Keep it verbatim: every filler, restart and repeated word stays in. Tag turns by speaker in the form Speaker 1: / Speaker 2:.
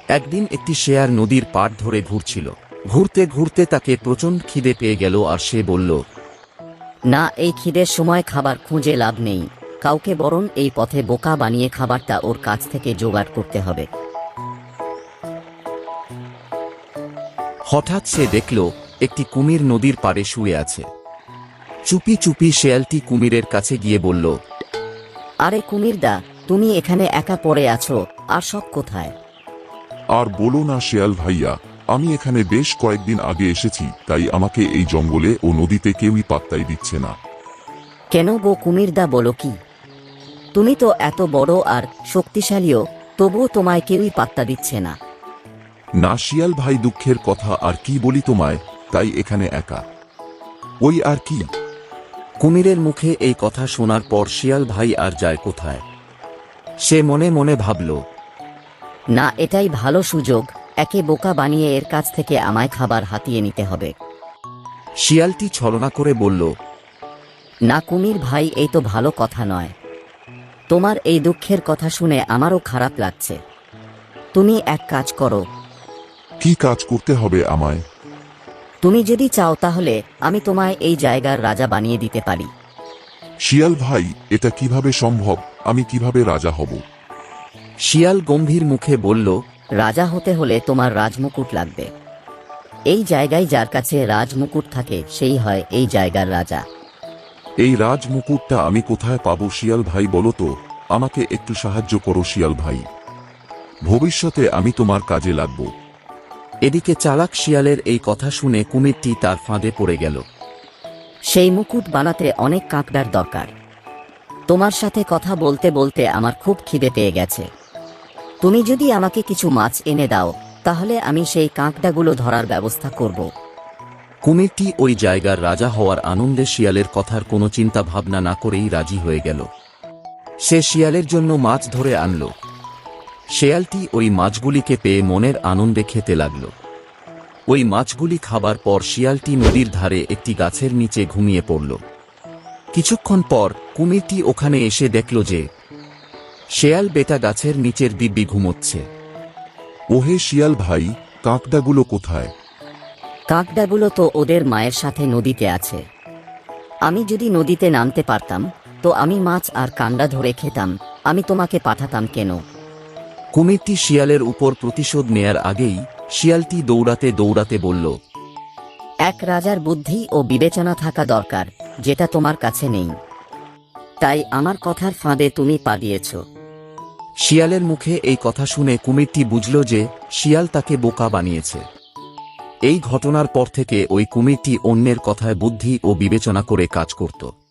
Speaker 1: একদিন একটি শেয়াল নদীর পাড় ধরে ঘুরছিল। ঘুরতে ঘুরতে তাকে প্রচণ্ড খিদে পেয়ে গেল আর সে বলল,
Speaker 2: না, এই খিদের সময় খাবার খুঁজে লাভ নেই, কাউকে বরং এই পথে বোকা বানিয়ে খাবারটা ওর কাছ থেকে জোগাড় করতে হবে।
Speaker 1: হঠাৎ সে দেখল একটি কুমির নদীর পাড়ে শুয়ে আছে। চুপি চুপি শেয়ালটি কুমিরের কাছে গিয়ে বলল,
Speaker 2: আরে কুমিরদা, তুমি এখানে একা পড়ে আছো, আর সব কোথায়?
Speaker 3: আর বলো না শেয়াল ভাইয়া, আমি এখানে বেশ কয়েকদিন আগে এসেছি, তাই আমাকে এই জঙ্গলে ও নদীতে কেউই পাত্তাই দিচ্ছে না।
Speaker 2: কেন গো কুমিরদা, বলো কি? তুমি তো এত বড় আর শক্তিশালীও, তবুও তোমায় কেউই পাত্তা দিচ্ছে না।
Speaker 3: না শিয়াল ভাই, দুঃখের কথা আর কি বলি তোমায়, তাই এখানে একা। ওই আর কি।
Speaker 1: কুমিরের মুখে এই কথা শোনার পর শিয়াল ভাই আর যায় কোথায়? সে মনে মনে ভাবল,
Speaker 2: না, এটাই ভালো সুযোগ, একে বোকা বানিয়ে এর কাছ থেকে আমায় খাবার হাতিয়ে নিতে হবে।
Speaker 1: শিয়ালটি ছলনা করে বলল,
Speaker 2: না কুমির ভাই, এই তো ভালো কথা নয়। তোমার এই দুঃখের কথা শুনে আমারও খারাপ লাগছে। তুমি এক কাজ করো।
Speaker 3: কি কাজ করতে হবে আমায়?
Speaker 2: তুমি যদি চাও তাহলে আমি তোমায় এই জায়গার রাজা বানিয়ে দিতে পারি।
Speaker 3: শিয়াল ভাই, এটা কিভাবে সম্ভব? আমি কিভাবে রাজা হব?
Speaker 1: শিয়াল গম্ভীর মুখে বলল,
Speaker 2: রাজা হতে হলে তোমার রাজমুকুট লাগবে। এই জায়গায় যার কাছে রাজমুকুট থাকে সেই হয় এই জায়গার রাজা।
Speaker 3: এই রাজ মুকুটটা আমি কোথায় পাবো শিয়াল ভাই, বলো তো, আমাকে একটু সাহায্য করো শিয়াল ভাই, ভবিষ্যতে আমি তোমার কাজে লাগব।
Speaker 1: এদিকে চালাক শিয়ালের এই কথা শুনে কুমিরটি তার ফাঁদে পড়ে গেল।
Speaker 2: সেই মুকুট বানাতে অনেক কাঁকড়ার দরকার। তোমার সাথে কথা বলতে বলতে আমার খুব খিদে পেয়ে গেছে। তুমি যদি আমাকে কিছু মাছ এনে দাও, তাহলে আমি সেই কাঁকড়াগুলো ধরার ব্যবস্থা করব।
Speaker 1: কুমিরটি ওই জায়গার রাজা হওয়ার আনন্দে শিয়ালের কথার কোনো চিন্তা ভাবনা না করেই রাজি হয়ে গেল। সে শিয়ালের জন্য মাছ ধরে আনল। শেয়ালটি ওই মাছগুলিকে পেয়ে মনের আনন্দে খেতে লাগল। ওই মাছগুলি খাবার পর শিয়ালটি নদীর ধারে একটি গাছের নিচে ঘুমিয়ে পড়ল। কিছুক্ষণ পর কুমিরটি ওখানে এসে দেখল যে শেয়াল বেটা গাছের নিচের দিব্যি ঘুমোচ্ছে।
Speaker 3: ওহে শিয়াল ভাই, কাঁকড়াগুলো কোথায়?
Speaker 2: কাঁকড়াগুলো তো ওদের মায়ের সাথে নদীতে আছে। আমি যদি নদীতে নামতে পারতাম তো আমি মাছ আর কাঁকড়া ধরে খেতাম, আমি তোমাকে পাঠাতাম কেন?
Speaker 1: কুমিরটি শিয়ালের উপর প্রতিশোধ নেয়ার আগেই শিয়ালটি দৌড়াতে দৌড়াতে বলল,
Speaker 2: এক রাজার বুদ্ধি ও বিবেচনা থাকা দরকার, যেটা তোমার কাছে নেই। তাই আমার কথার ফাঁদে তুমি পা দিয়েছ।
Speaker 1: শিয়ালের মুখে এই কথা শুনে কুমিরটি বুঝল যে শিয়াল তাকে বোকা বানিয়েছে। এই ঘটনার পর থেকে ওই কুমিরটি অন্যের কথায় বুদ্ধি ও বিবেচনা করে কাজ করত।